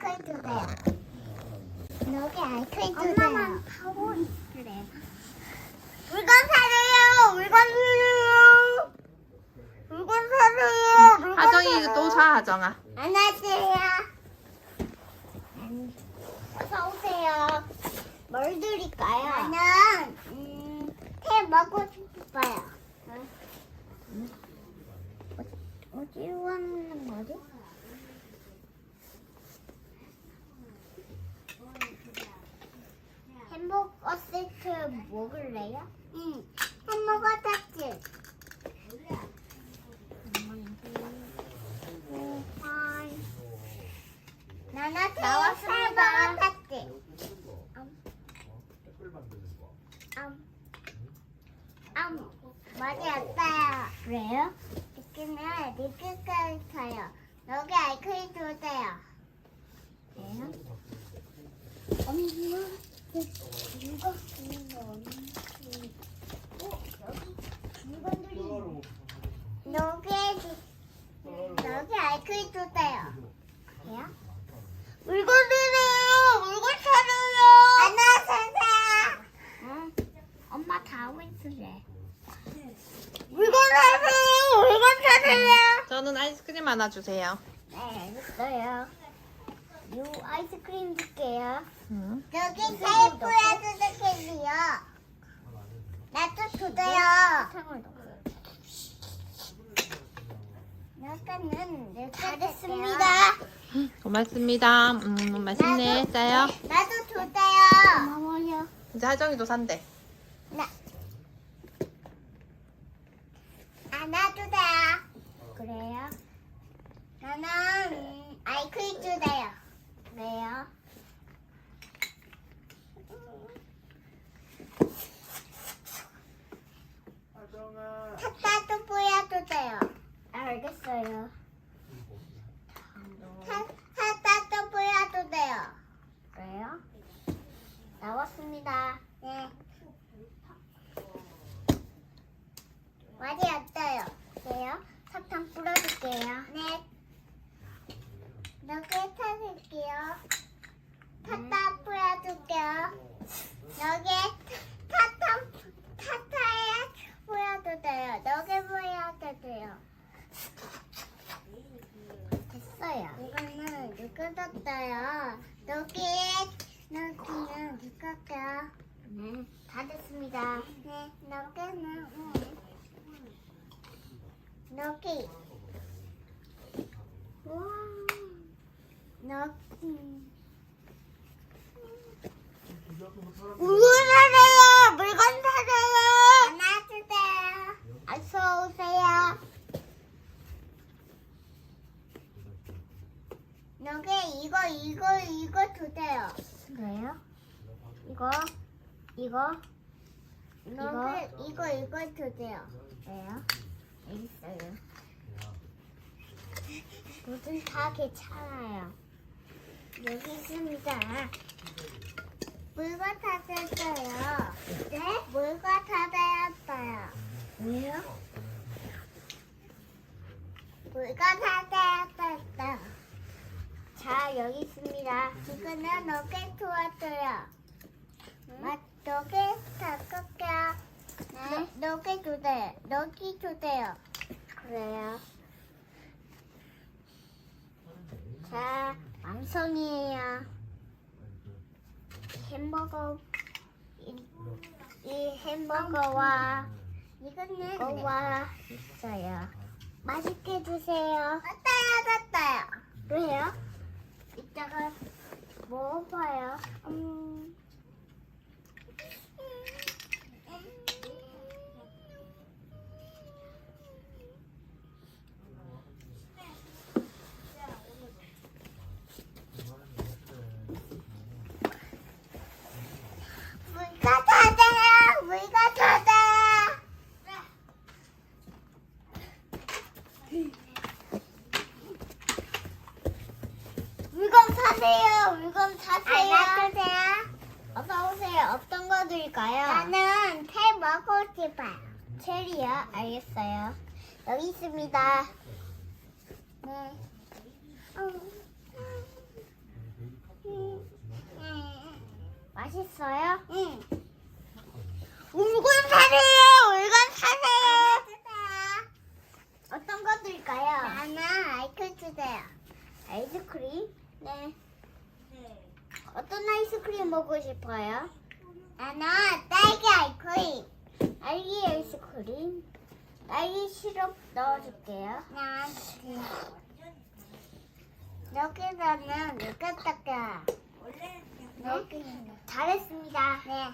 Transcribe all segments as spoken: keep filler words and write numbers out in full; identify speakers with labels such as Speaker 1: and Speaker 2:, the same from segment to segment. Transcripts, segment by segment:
Speaker 1: 아이크림 주세요. 여기 아이크림 주세요. 엄마만 하고 있으래. 물건 사세요. 물건 사세요. 물건 사세요. 물건
Speaker 2: 하정이
Speaker 1: 사세요.
Speaker 2: 이거 또 사, 하정아.
Speaker 1: 안녕하세요. 어서 오세요. 뭘 드릴까요? 나는 음, 테 먹고 싶어요. 응? 어디로 가는 거지? 햄버거 세트 먹을래요? 응. 햄버거 세트. 나나 나왔습니다. 음, 음, 많이 왔어요. 그래요? 이렇게는 리필까지 사요. 여기 아이크림 주세요. 그래요? 엄마, 이거 이거 없는지. 어, 여기 물건들이. 여기 여기 아이크림 주세요. 그래요? 물건들이에요. 물건 사려요. 안녕하세요. 응. 엄마 다 하고 있으래. 물건 사세요. 물건 사세요.
Speaker 2: 저는 아이스크림 하나 주세요.
Speaker 1: 네, 알겠어요. 요 아이스크림 줄게요.
Speaker 2: 응.
Speaker 1: 여기 테이프에 쓰드게요. 나도 주세요. 사탕을 넣어요. 약간은 다 됐습니다.
Speaker 2: 고맙습니다. 음, 맛있네. 짜요.
Speaker 1: 나도 주세요. 고마워요.
Speaker 2: 이제 하정이도 산대.
Speaker 1: 나. 아, 나도 돼요. 그래요? 나는 음, 아이크림 주세요. 그래요? 탔다도 보여주세요. 알겠어요. 타, 탔다도 보여주세요. 그래요? 나왔습니다. 네. 많이 왔어요. 그래요? 사탕 뿌려줄게요. 네. 여기에 타줄게요. 타타 뿌려줄게요. 여기에 타타, 타타에 보여주세요. 여기 보여주세요. 됐어요. 이거는 누가 줬어요? 여기, 여기는 누가 줬어요? 네, 다 됐습니다. 네, 여기는, 응. 여기. 와, 여기. 물건 사세요! 물건 사세요! 하나 주세요. 어서 오세요. 여기 이거, 이거, 이거 주세요. 그래요? 이거, 이거, 이거, 이거, 이거 주세요. 그래요? 알겠어요. 뭐든 다 괜찮아요. 여기 있습니다. 물건 다 됐어요. 네? 물건 다 되었어요. 왜요? 물건 다 되었어요. 자, 여기 있습니다. 이거는 너게 도와줘요. 맛, 너게 다 깎게요. 네? 너게 주세요. 너기 주세요. 그래요. 자, 완성이에요. 햄버거, 이, 이 햄버거와 이거는 이거와 있어요. 맛있게 드세요. 됐어요, 됐어요. 왜요? 이따가 먹어봐요. 음. 물가 타세요. 물가 타세요. 물건 사세요. 물건 사세요. 안녕하세요. 어서 오세요. 어떤 거 드릴까요? 나는 테 먹고 싶어요. 체리요? 알겠어요. 여기 있습니다. 네. 어. 맛있어요? 응. 물건 사세요. 물건 사세요. 어떤 거 드릴까요? 나는 아이스크림 주세요. 아이스크림? 네. 어떤 아이스크림 먹고 싶어요? 나는 딸기 아이스크림. 딸기 아이스크림. 딸기 시럽 넣어줄게요. 난 여기다는 이거다가 여기 잘했습니다. 네.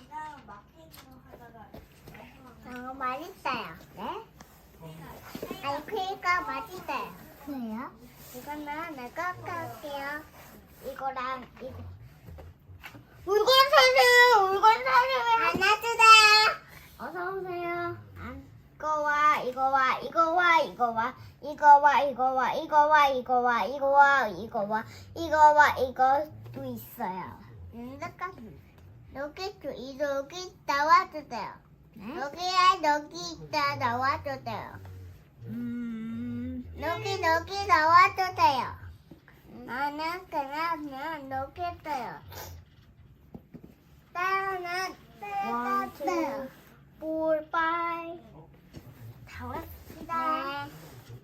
Speaker 1: 너무 맛있어요. 네. 아이스크림가 맛있어요. 그래요? 이거는 내가 할게요. 이거랑 이거. 물건 사세요. 물건 사세요. 하나 주세요. 어서 오세요. 이거와 이거와 이거와 이거와 이거와 이거와 이거와 이거와 이거와 이거와 이거와 이거도 있어요. 잠깐 여기 두 여기 나와주세요. 여기야 여기 있다 나와주세요. 음 여기 여기 나와주세요. 나는 그냥 여기 있어요. 나는 one two four five 다 왔습니다. 네.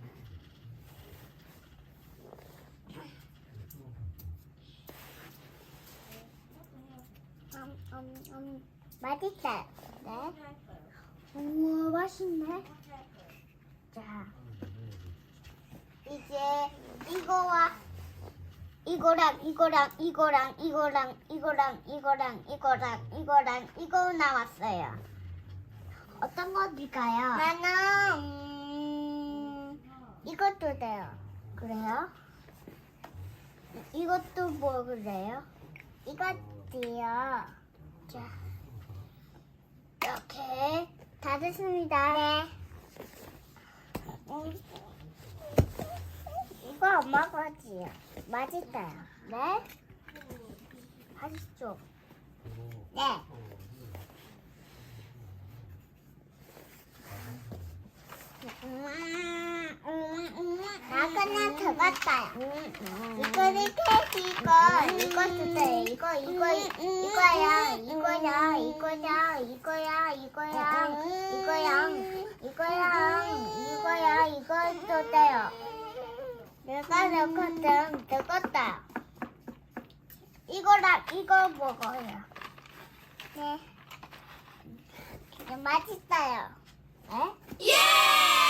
Speaker 1: 음, 음, 음, 맛있다. 네. 우와, 맛있네. 자, 이제 이거와 이거랑 이거랑 이거랑 이거랑 이거랑 이거랑 이거랑 이거랑 이거 나왔어요. 어떤 거 드릴까요? 나는 음, 이것도 돼요. 그래요? 이- 이것도 뭐 그래요? 이것도요. 자, 이렇게 다 됐습니다. 네. 음, 이거 엄마 거지요. 맛있어요. 네? 맛있죠? 네. 나 그냥 들어갔어요. 이거를 캐시 이거 이거 주세요. 이거 이거 이거야 이거야 이거야 이거야 이거야 이거야 이거야 이거야 이거 주세요. 내가 넣거든 넣었다. 이거랑 이거 먹어요. 네. 맛있어요. 네? 예!